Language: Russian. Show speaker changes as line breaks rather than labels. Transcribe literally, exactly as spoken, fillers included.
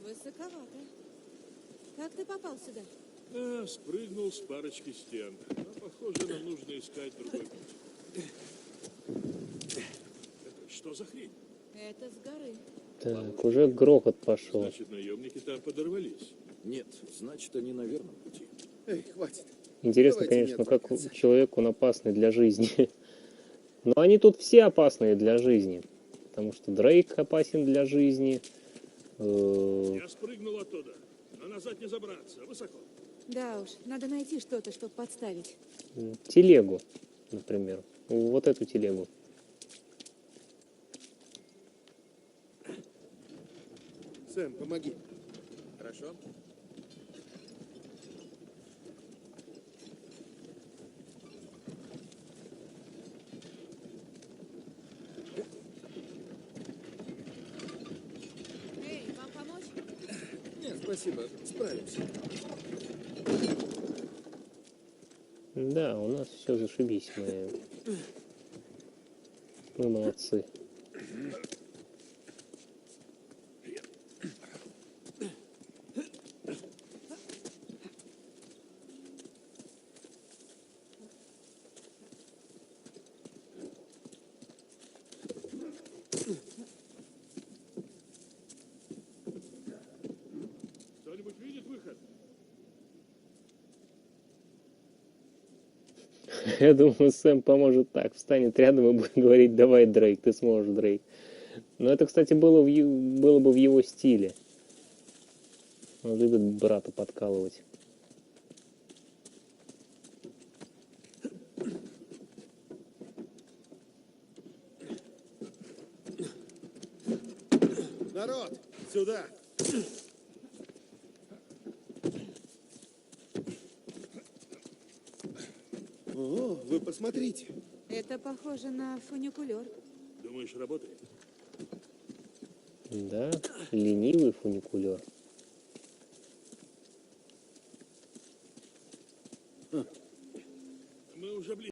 Высоковато. Как ты попал сюда?
А, спрыгнул с парочки стен. Но, похоже, нам нужно искать другой путь. Это что за хрень?
Это с горы.
Так, уже грохот пошел.
Значит, наемники там подорвались.
Нет, значит, они на верном пути.
Эй, хватит.
Интересно,
Давайте
конечно,
не
как
отвлекаться.
человек он опасный для жизни. Но они тут все опасные для жизни. Потому что Дрейк опасен для жизни. Э,
Я спрыгнул оттуда, но назад не забраться. Высоко.
Да уж, надо найти что-то, чтобы подставить.
Телегу, например. Вот эту телегу.
Сэм, помоги.
Хорошо?
Эй, вам помочь?
Нет, спасибо. Справимся.
Да, у нас все зашибись. Мы, мы молодцы.
Кто-нибудь видит выход?
Я думаю, Сэм поможет так. Встанет рядом и будет говорить: давай, Дрейк, ты сможешь, Дрейк. Но это, кстати, было, в, ю- было бы в его стиле. Он любит брата подкалывать.
Народ, сюда. О, вы посмотрите.
Это похоже на фуникулер.
Думаешь, работает?
Да, ленивый фуникулер.
Мы уже близко.